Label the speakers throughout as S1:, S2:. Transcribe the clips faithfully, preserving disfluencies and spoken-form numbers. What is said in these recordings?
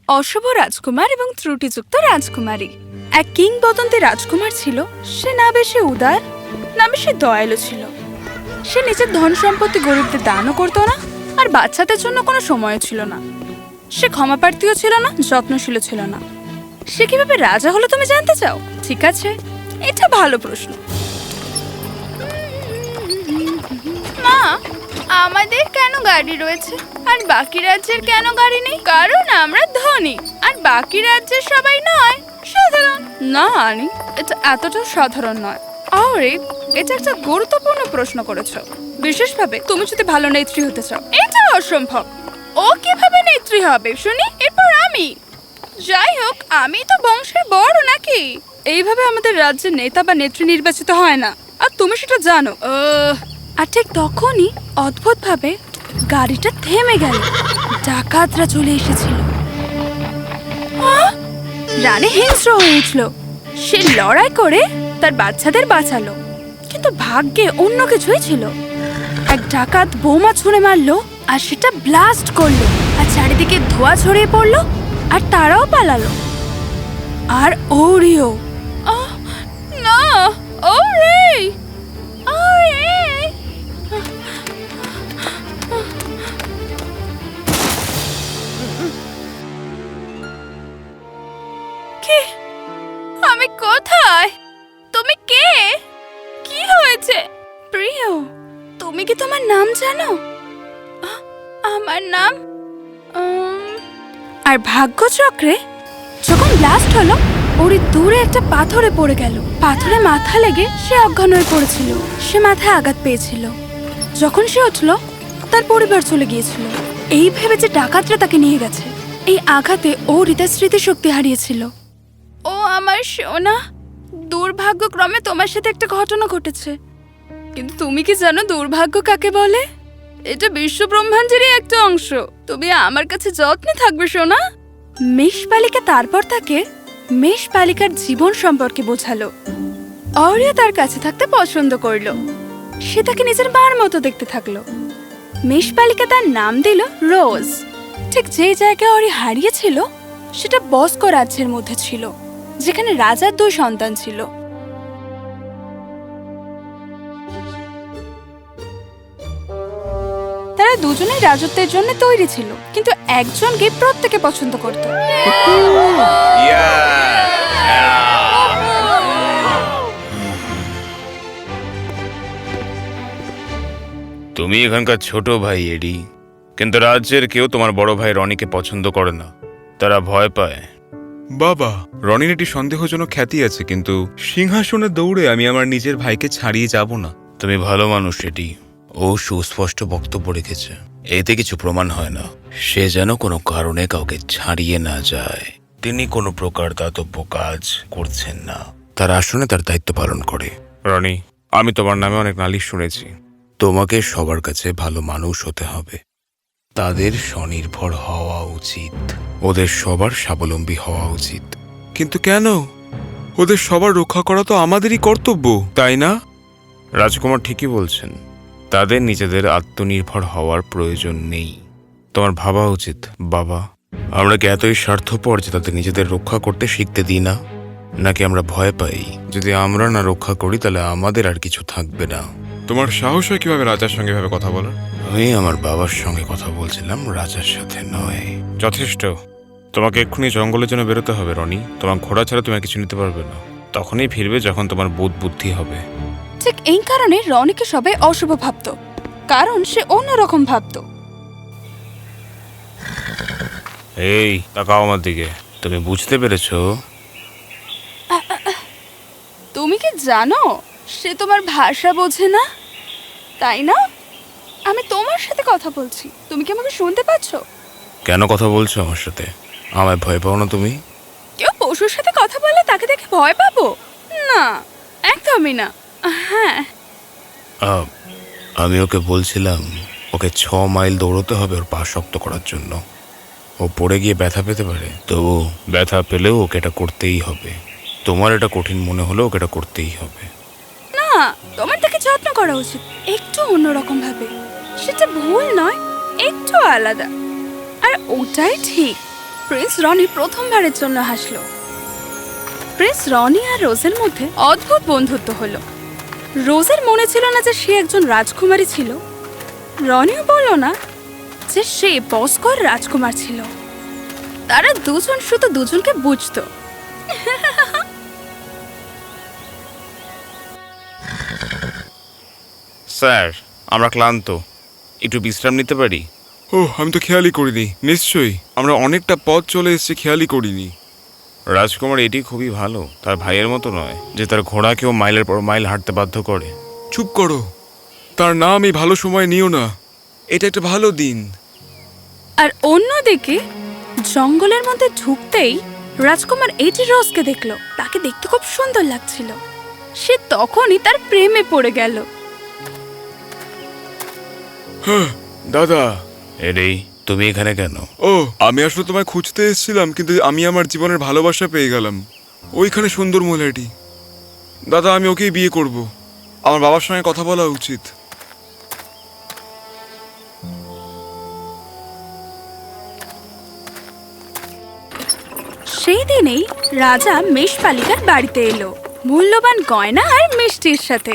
S1: অশুভ রাজকুমার এবং ত্রুটিযুক্ত রাজকুমারী। এক কিংবদন্তি রাজকুমার ছিল। সে না বেশি উদার না বেশি দয়ালু ছিল। সে নিজের ধন সম্পত্তি গরিবদের দানও করতো না, আর বাচ্চাদের জন্য কোনো সময় ছিল না। সে ক্ষমাপ্রার্থীও ছিল না, যত্নশীল ছিল না। সে কিভাবে রাজা হলো তুমি জানতে চাও? ঠিক আছে, এটা ভালো প্রশ্ন। মা, আমাদের কেন গাড়ি রয়েছে আর বাকি রাজ্যের কেন গাড়ি নেই? কারণ আমরা ধনী আর বাকি রাজ্যের সবাই নয়, সাধারণ। না আনি, এটা এতটা সাধারণ নয়। আরে এটা একটা গুরুত্বপূর্ণ প্রশ্ন করেছো, বিশেষভাবে তুমি যদি ভালো নেত্রী হতে চাও। এটা অসম্ভব। ও কিভাবে নেত্রী হবে শুনি? এরপর আমি। যাই হোক, আমি তো বংশের বড় নাকি? এইভাবে আমাদের রাজ্যের নেতা বা নেত্রী নির্বাচিত হয় না, আর তুমি সেটা জানো। আর ঠিক তখনই অদ্ভুতভাবে গাড়িটা থেমে গেল। ডাকাতরা চলে এসেছিল। রানী হিংস্র হয়ে উঠল। সে লড়াই করে তার বাচ্চাদের বাঁচালো, কিন্তু ভাগ্যে অন্য কিছুই ছিল। এক ডাকাত বোমা ছুঁড়ে মারলো আর সেটা ব্লাস্ট করলো, আর চারিদিকে ধোঁয়া ছড়িয়ে পড়লো, আর তারাও পালালো। আর ওরিও, না, ওরে, ওরে। কে? আমি কোথায়? তুমি কে? কি হয়েছে? প্রিয়, তুমি কি তোমার নাম জানো? আমার নাম। আর ভাগ্যচক্রে যখন ব্লাস্ট হলো, ওরি দূরে একটা পাথরে পড়ে গেল। পাথরে মাথা লেগে সে অজ্ঞান হয়ে পড়েছিল। সে মাথায় আঘাত পেয়েছিল। যখন সে উঠল, তার পরিবার চলে গিয়েছিল। এই ভেবে যে ডাকাতরা তাকে নিয়ে গেছে। এই আঘাতে ও হৃদয় স্মৃতিশক্তি হারিয়েছিল। ও আমার সোনা, দুর্ভাগ্যক্রমে তোমার সাথে একটা ঘটনা ঘটেছে। কিন্তু তুমি কি জানো দুর্ভাগ্য কাকে বলে? এটা বিশ্ব ব্রহ্মাণ্ডেরই একটা অংশ। তুমি আমার কাছে যত্নে থাকবে সোনা। মেষপালিকা তারপর তাকে মেষপালিকার জীবন সম্পর্কে বোঝালো। অরিও তার কাছে থাকতে পছন্দ করলো। সে তাকে নিজের মার মতো দেখতে থাকলো। মেষপালিকা তার নাম দিল রোজ। ঠিক যে জায়গায় অরি হারিয়েছিল সেটা বস্কো রাজ্যের মধ্যে ছিল, যেখানে রাজার দুই সন্তান ছিল। তারা দুজনেই রাজত্বের জন্য তৈরি ছিল, কিন্তু একজনকে প্রত্যেকে পছন্দ করত।
S2: তুমি এখানকার ছোট ভাই এডি, কিন্তু রাজ্যের কেউ তোমার বড় ভাই রনিকে পছন্দ করে না। তারা ভয় পায়।
S3: বাবা, রনির একটি সন্দেহজনক খ্যাতি আছে, কিন্তু সিংহাসনে দৌড়ে আমি আমার নিজের ভাইকে ছাড়িয়ে যাব না।
S2: তুমি ভালো মানুষ এডি। ও সুস্পষ্ট বক্তব্য রেখেছে। এতে কিছু প্রমাণ হয় না সে যেন কোনো কারণে কাউকে ছাড়িয়ে না যায়। তিনি কোনো প্রকার দাতব্য কাজ করছেন না, তার আসনে তার দায়িত্ব পালন করে।
S3: রনি, আমি তোমার নামে অনেক নালিশ শুনেছি।
S2: তোমাকে সবার কাছে ভালো মানুষ হতে হবে। তাদের স্বনির্ভর হওয়া উচিত। ওদের সবার স্বাবলম্বী হওয়া উচিত।
S3: কিন্তু কেন? ওদের সবার রক্ষা করা তো আমাদেরই কর্তব্য, তাই না?
S2: রাজকুমার ঠিকই বলছেন। তাদের নিজেদের আত্মনির্ভর হওয়ার প্রয়োজন নেই। তোমার ভাবা উচিত বাবা, আমরা কি এতই স্বার্থপর যে তাদের নিজেদের রক্ষা করতে শিখতে দিই না? নাকি আমরা ভয় পাই যদি আমরা না রক্ষা করি তাহলে আমাদের আর কিছু থাকবে না?
S3: তোমার সাহস হয় কিভাবে রাজার সঙ্গে ভাবে কথা বলার?
S2: আমি আমার বাবার সঙ্গে কথা বলছিলাম, রাজার সাথে নয়।
S3: যথেষ্ট। তোমাকে এক্ষুনি জঙ্গলের জন্য বেরোতে হবে রনি। তোমার ঘোড়া ছাড়া তুমি কিছু নিতে পারবে না। তখনই ফিরবে যখন তোমার বোধ বুদ্ধি হবে।
S1: ঠিক এই কারণে রনিকে সবাই অশুভ ভাবত, কারণ সে অন্যরকম ভাবত।
S2: এই তাকাও আমার দিকে। তুমি বুঝতে পেরেছো?
S1: তুমি কি জানো সে তোমার ভাষা বোঝে না, তাই না? আমি তোমার সাথে কথা বলছি, তুমি কি আমাকে শুনতে পাচ্ছ?
S2: কেন কথা বলছো আমার সাথে? আমায় ভয় পাও না তুমি?
S1: কেউ পশুর সাথে কথা বলে তাকে দেখে ভয় পাবো? না, একদমই না। হ্যাঁ,
S2: আহ, আমি ওকে বলছিলাম ওকে ছ মাইল দৌড়তে হবে ওর পা শক্ত করার জন্য। ও পড়ে গিয়ে ব্যথা পেতে পারে, তবু ব্যথা পেলেও ওকে এটা করতেই হবে। তোমার এটা কঠিন মনে হলেও ওকে এটা করতেই হবে।
S1: না, তোমার তাকে যত্ন করা উচিত, একটু অন্যরকম ভাবে। সেটা ভুল নয়, একটু আলাদা, আর ওটাই ঠিক। প্রিন্স রনি প্রথমবারের জন্য হাসলো। প্রিন্স রনি আর রোজের মধ্যে অদ্ভুত বন্ধুত্ব হলো। রোজের মনে ছিল না যে সে একজন রাজকুমারী ছিল, রনিও বলল না যে সে বস্কর রাজকুমার ছিল। তারা দুজন শুধু দুজনকে বুঝতো।
S3: স্যার, আমরা ক্লান্ত, একটু বিশ্রাম নিতে পারি?
S2: ও, আমি তো খেয়ালই করিনি। নিশ্চয়ই, আমরা অনেকটা পথ চলে এসেছি, খেয়ালই করিনি।
S3: রাজকুমার এটি খুবই ভালো, তার ভাইয়ের মতো নয় যে তার ঘোড়াকেও মাইলের পর মাইল হাঁটতে বাধ্য করে।
S2: চুপ করো, তার নাম এই ভালো সময় নিও না। এটা একটা ভালো দিন।
S1: আর অন্যদিকে জঙ্গলের মধ্যে ঢুকতেই রাজকুমার এইটি রোজকে দেখলো। তাকে দেখতে খুব সুন্দর লাগছিল। সে তখনই তার প্রেমে পড়ে গেল।
S2: হ্যাঁ দাদা।
S3: এরেই, তুমি এখানে কেন?
S2: ও, আমি আসলে তোমায় খুঁজতে এসেছিলাম, কিন্তু আমি আমার জীবনের ভালোবাসা পেয়ে গেলাম। ওইখানে সুন্দর মহিলাটি। দাদা, আমি ওকেই বিয়ে করব। আমার বাবার সঙ্গে কথা বলা উচিত।
S1: সেই দিনেই রাজা মেষপালিকার বাড়িতে এলো, মূল্যবান গয়না আর মিষ্টির সাথে।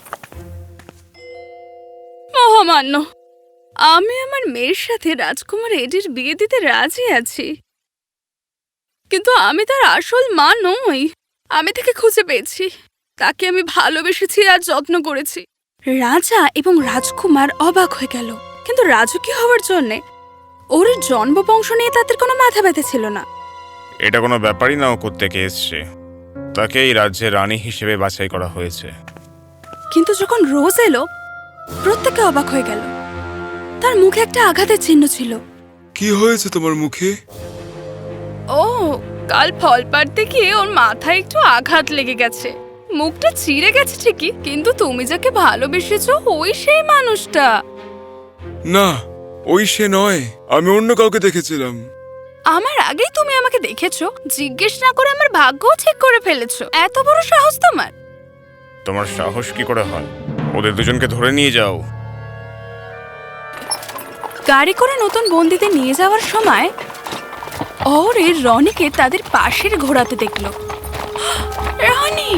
S1: মহামান্য, আমি আমার মেয়ের সাথে রাজকুমার এডির বিয়ে দিতে রাজি আছি, কিন্তু আমি তার আসল মা নই। আমি তাকে খুঁজে পেয়েছি, তাকে আমি ভালোবেসেছি আর যত্ন করেছি। রাজা এবং রাজকুমার অবাক হয়ে গেল, কিন্তু রাজকীয় হওয়ার জন্যে ওর জন্মবংশ নিয়ে তাদের কোনো মাথা ব্যথা ছিল না।
S3: এটা কোনো ব্যাপারই না, ও কোত্থেকে এসছে। তাকে এই রাজ্যের রানী হিসেবে বাছাই করা হয়েছে।
S1: কিন্তু যখন রোজ এলো, প্রত্যেকে অবাক হয়ে গেল। তার মুখে একটা আঘাতের চিহ্ন ছিল।
S2: কি হয়েছে তোমার মুখে?
S1: ও, কাল ফল পাড়তে গিয়ে ওর মাথায় একটু আঘাত লেগে গেছে। মুখটা চিড়ে গেছে ঠিকই, কিন্তু তুমি যাকে ভালোবেসেছো ওই সেই মানুষটা।
S2: না, ওই সে নয়। আমি অন্য কাউকে দেখেছিলাম।
S1: আমার আগেই তুমি আমাকে দেখেছো, জিজ্ঞেস না করে আমার ভাগ্যও ঠিক করে ফেলেছো। এত বড় সাহস তোমার!
S3: তোমার সাহস কি করে হয়? ওদের দুজনকে ধরে নিয়ে যাও।
S1: গাড়ি করে নতুন বন্দীদের নিয়ে যাওয়ার সময় ওরে রনিকে তাদের পাশের ঘোড়াতে দেখলো। রনি!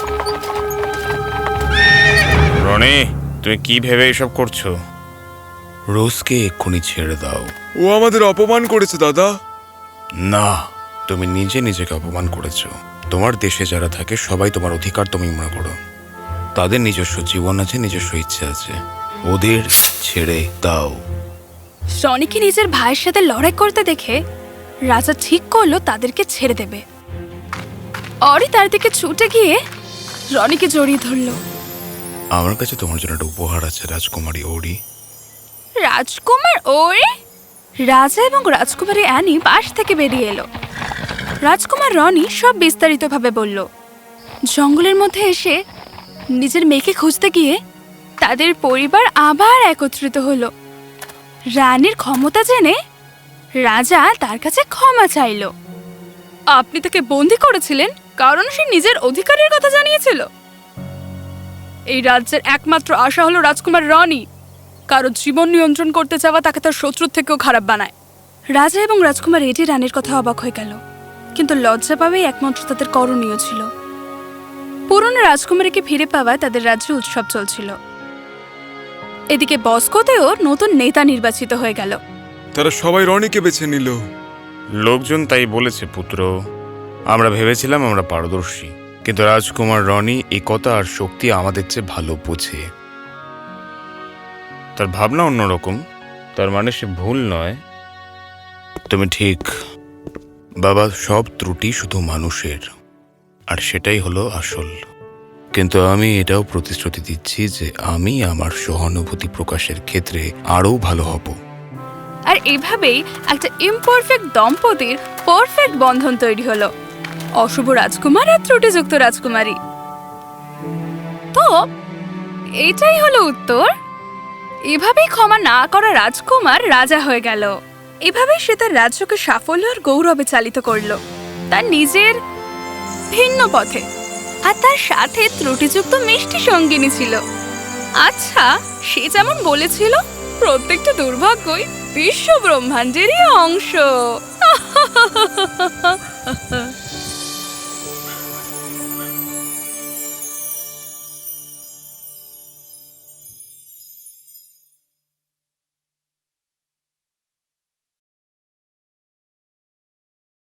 S3: রনি, তুমি কি ভেবে এসব করছো?
S2: রোজকে এক্ষুনি ছেড়ে দাও। ও আমাদের অপমান করেছে দাদা।
S3: না, তুমি নিজে নিজেকে অপমান করেছো। তোমার দেশে যারা থাকে সবাই তোমার অধিকার তুমি মনে করো। তাদের নিজস্ব জীবন আছে, নিজস্ব ইচ্ছে আছে। ওদের ছেড়ে দাও।
S1: রনিকে নিজের ভাইয়ের সাথে লড়াই করতে দেখে রাজা ঠিক করলো তাদেরকে ছেড়ে দেবে। অরি তার দিকে ছুটে গিয়ে রনিকে জড়িয়ে ধরলো।
S2: আমার কাছে তোমার জন্য একটা উপহার আছে রাজকুমারী ওরি।
S1: রাজকুমার ওরে! রাজা এবং রাজকুমারী অ্যানি পাশ থেকে বেরিয়ে এলো। রাজকুমার রনি সব বিস্তারিতভাবে বলল। জঙ্গলের মধ্যে এসে নিজের মেয়েকে খুঁজতে গিয়ে তাদের পরিবার আবার একত্রিত হলো। রানীর ক্ষমতা জেনে রাজা তার কাছে ক্ষমা চাইল। আপনি তাকে বন্দি করেছিলেন কারণ সে নিজের অধিকারের কথা জানিয়েছিল। এই রাজ্যের একমাত্র আশা হলো রাজকুমার রনি। কারো জীবন নিয়ন্ত্রণ করতে চাওয়া তাকে তার শত্রুর থেকেও খারাপ বানায়। রাজা এবং রাজকুমার এটি রানীর কথা অবাক হয়ে গেল, কিন্তু লজ্জা পাবেই একমাত্র তাদের করণীয় ছিল। পুরনো রাজকুমারীকে ফিরে পাওয়ায় তাদের রাজ্যে উৎসব চলছিল। এদিকে বস্কোতেও নতুন নেতা নির্বাচিত হয়ে গেল।
S2: তারা সবাই রনিকে বেছে নিল।
S3: লোকজন তাই বলেছে পুত্র। আমরা ভেবেছিলাম আমরা পারদর্শী, কিন্তু রাজকুমার রনি এই কথা আর শক্তি আমাদের চেয়ে ভালো বোঝে। তার ভাবনা অন্যরকম, তার মানে সে ভুল নয়।
S2: তুমি ঠিক বাবা, সব ত্রুটি শুধু মানুষের, আর সেটাই হলো আসল। কিন্তু আমি এটাও প্রতিশ্রুতি দিচ্ছি যে আমি আমার সহানুভূতি প্রকাশের ক্ষেত্রে আরও ভালো হব।
S1: আর এভাবেই একটা ইমপারফেক্ট দম্পতির পারফেক্ট বন্ধন তৈরি হলো, অশুভ রাজকুমার আর ত্রুটিযুক্ত রাজকুমারী। তো এটাই হলো উত্তর। এভাবেই ক্ষমা না করা রাজকুমার রাজা হয়ে গেল। এভাবেই সে তার রাজ্যকে সাফল্য আর গৌরবে চালিত করলো তার নিজের ভিন্ন পথে। আর তার সাথে ত্রুটিযুক্ত মিষ্টি সঙ্গিনী ছিল। আচ্ছা, সে যেমন বলেছিল, প্রত্যেকটা দুর্ভাগ্যই বিশ্ব ব্রহ্মাণ্ডেরই অংশ।